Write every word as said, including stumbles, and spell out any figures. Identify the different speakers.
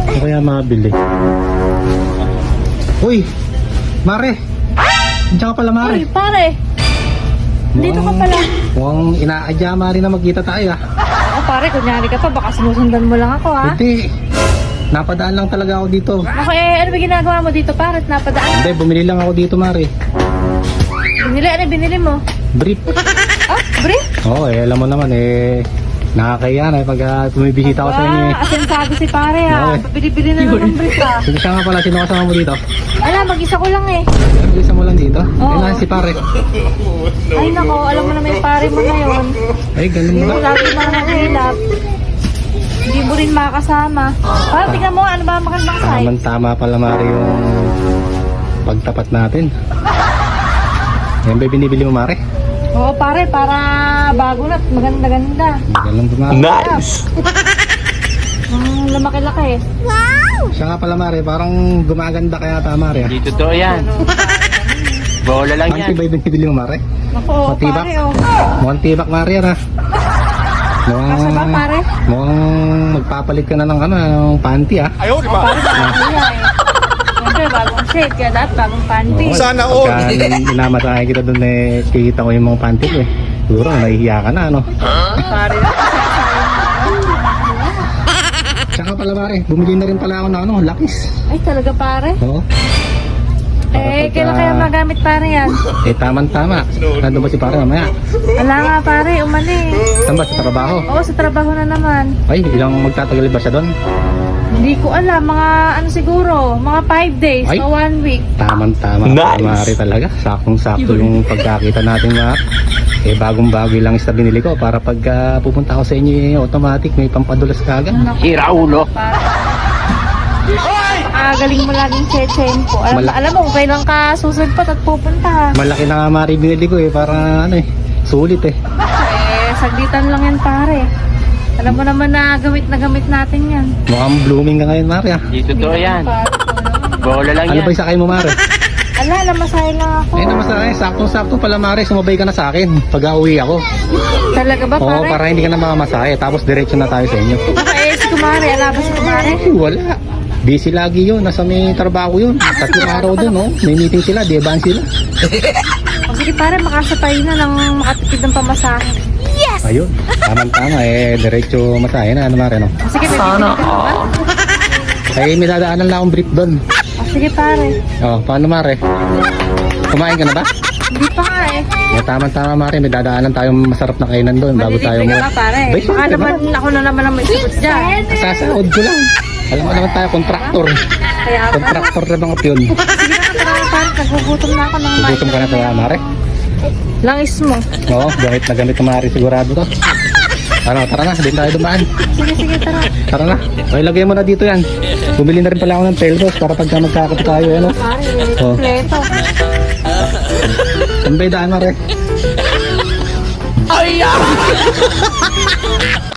Speaker 1: Ano kaya mabili? Uy! Mare! Diyan ka pala, Mare.
Speaker 2: Uy, pare. Dito ka pala.
Speaker 1: Mukhang inaadya, Mare, na magkita tayo ah.
Speaker 2: Oh, pare, kunyari ka pa. Baka sinusundan mo lang ako, ha?
Speaker 1: Hindi. Napadaan lang talaga ako dito.
Speaker 2: Ako, eh, ano ba ginagawa mo dito, pare? At napadaan?
Speaker 1: Hindi, bumili lang ako dito, Mare.
Speaker 2: Binili, ano binili mo?
Speaker 1: Brief.
Speaker 2: Oh, brief?
Speaker 1: Oo, eh, alam mo naman eh. Nakakaya na pag uh, bumibisita ako sa inyo eh.
Speaker 2: Ah, asensado si pare, ha?
Speaker 1: Oo, eh.
Speaker 2: Bili-bili na lang ng brief, ha?
Speaker 1: Sige, siya nga pala, sino kasama mo dito?
Speaker 2: Ala, mag-isa ko lang, eh.
Speaker 1: Isa mo lang dito?
Speaker 2: Oo.
Speaker 1: Ayun na si pare.
Speaker 2: Ay, nako, alam mo na may pare mo ngayon.
Speaker 1: Ay, ganun
Speaker 2: Hindi mo
Speaker 1: ba?
Speaker 2: lagi mga nahilap. Hindi mo rin makakasama. Parang tingnan mo, ano ba ang magandang size?
Speaker 1: Tama-tama pala, Mare, yung pagtapat natin. Yan ba binibili mo, Mare?
Speaker 2: Oo, pare, para bago na at maganda-ganda.
Speaker 1: Ganun ba, Mare?
Speaker 3: Nice!
Speaker 2: Hmm, lumaki-laki.
Speaker 1: Siya nga pala, Mare, parang gumaganda kaya ta, Mare. ah.
Speaker 3: Di totoo yan. Bola lang
Speaker 1: Panty
Speaker 3: yan.
Speaker 1: ba yung binibili mo, Mare?
Speaker 2: Naku, oo,
Speaker 1: Matibak.
Speaker 2: pare, oh.
Speaker 1: Mukhang tibak, Mare, yan ah. Mukhang,
Speaker 2: Kasya ba, pare?
Speaker 1: mukhang magpapalit ka na ng ano, ng panty ah.
Speaker 3: Ayaw, di
Speaker 2: Pare, bago yan, eh. Siyempre, bagong shade, kaya lahat bagong panty.
Speaker 1: Oo,
Speaker 3: Sana all.
Speaker 1: Pagka inamasahe kita doon eh, kikita ko yung mga panty ko eh. Siguro, nahihiya ka na, ano?
Speaker 2: Pare,
Speaker 1: Tsaka pala, Mare, bumili na rin pala ako ng ano, lakis.
Speaker 2: ay talaga, pare.
Speaker 1: Oo.
Speaker 2: Eh,
Speaker 1: pagka-
Speaker 2: kailan kaya magamit, pare, yan?
Speaker 1: Eh, tama-tama. Nandun ba si pare mamaya?
Speaker 2: Wala nga, pare, umali.
Speaker 1: Saan ba? Sa trabaho?
Speaker 2: Oo, sa trabaho na naman.
Speaker 1: Ay, ilang magtatagal ba siya doon?
Speaker 2: Hindi ko alam, mga ano siguro, mga five days
Speaker 1: Ay.
Speaker 2: o one week.
Speaker 1: Tamang-tama.
Speaker 3: Nice.
Speaker 1: Mare talaga. Saktong-sakto yung pagkakita natin, Mar. Eh, bagong-bago lang is na binili ko para pag ah, pupunta ako sa inyo, eh, automatic may pampadulas ka agad.
Speaker 3: Hira ulo.
Speaker 2: Ah, galing mo laging chechen po. Alam,
Speaker 1: Mala-
Speaker 2: alam mo, kung kailan ka susunod at pupunta, ha?
Speaker 1: Malaki na nga, Mare, binili ko eh. Para ano eh, sulit eh.
Speaker 2: Eh, saglitan lang yan, pare. Alam mo naman na gamit na gamit natin yan.
Speaker 1: Mukhang blooming ka ngayon, Mare ah.
Speaker 3: Di totoo yan.
Speaker 2: Pare, ano?
Speaker 3: Bola lang
Speaker 1: Ano
Speaker 3: yan.
Speaker 1: ba yung sakay mo, Mare?
Speaker 2: Ala, namasahe lang ako.
Speaker 1: Eh, naman sa akin, saktong-sakto pala, Mare. Sumabay ka na sa akin pag uwi ako.
Speaker 2: Talaga ba,
Speaker 1: Oo,
Speaker 2: pare?
Speaker 1: para hindi ka na makamasahe. Tapos diretso na tayo sa inyo.
Speaker 2: Baka eh, si Kumari. Ala ba si Kumari?
Speaker 1: Ay, wala. Busy lagi yun. Nasa may trabaho yun. Tatlong araw dun, no? May meeting sila. Deban sila.
Speaker 2: O sige, pare, makasapay na ng makatipid ng pamasahe.
Speaker 1: Ayun. Tama-tama. Eh, diretso masahe na. Ano, Mare, no?
Speaker 2: O sige, may bibili ka na ba?
Speaker 1: Eh, may dadaanan lang akong brief doon.
Speaker 2: O sige, pare.
Speaker 1: Oh, paano, Mare? Kumain ka na ba?
Speaker 2: Hindi pa nga eh.
Speaker 1: Eh, tama-tama, Mare. May dadaanan tayong masarap na kainan doon bago tayo
Speaker 2: Malilibre
Speaker 1: mo.
Speaker 2: ka ba, pare?
Speaker 1: Bay,
Speaker 2: Baka
Speaker 1: syempre,
Speaker 2: naman ako na naman ang may sagot dyan.
Speaker 1: Sasaod ko lang. Alam mo naman tayo, kontraktor.
Speaker 2: Kaya pa.
Speaker 1: Kontraktor na mga piyon.
Speaker 2: Sige na, tara na, pare. Nagugutom na ako ng
Speaker 1: Gutom ka na sa Mare?
Speaker 2: Langis mo.
Speaker 1: Oo, gamit na gamit ng Mare sigurado to. Ano, tara na, din tayo dumaan.
Speaker 2: Sige, sige, tara.
Speaker 1: Tara na. Okay, lagay mo na dito yan. Bumili na rin pala ako ng pelros para pagka magkakap tayo, ano.
Speaker 2: Pare,
Speaker 1: Oh.
Speaker 2: kompleto.
Speaker 1: Saan ba yung daan, Mare?
Speaker 3: Ay, ah!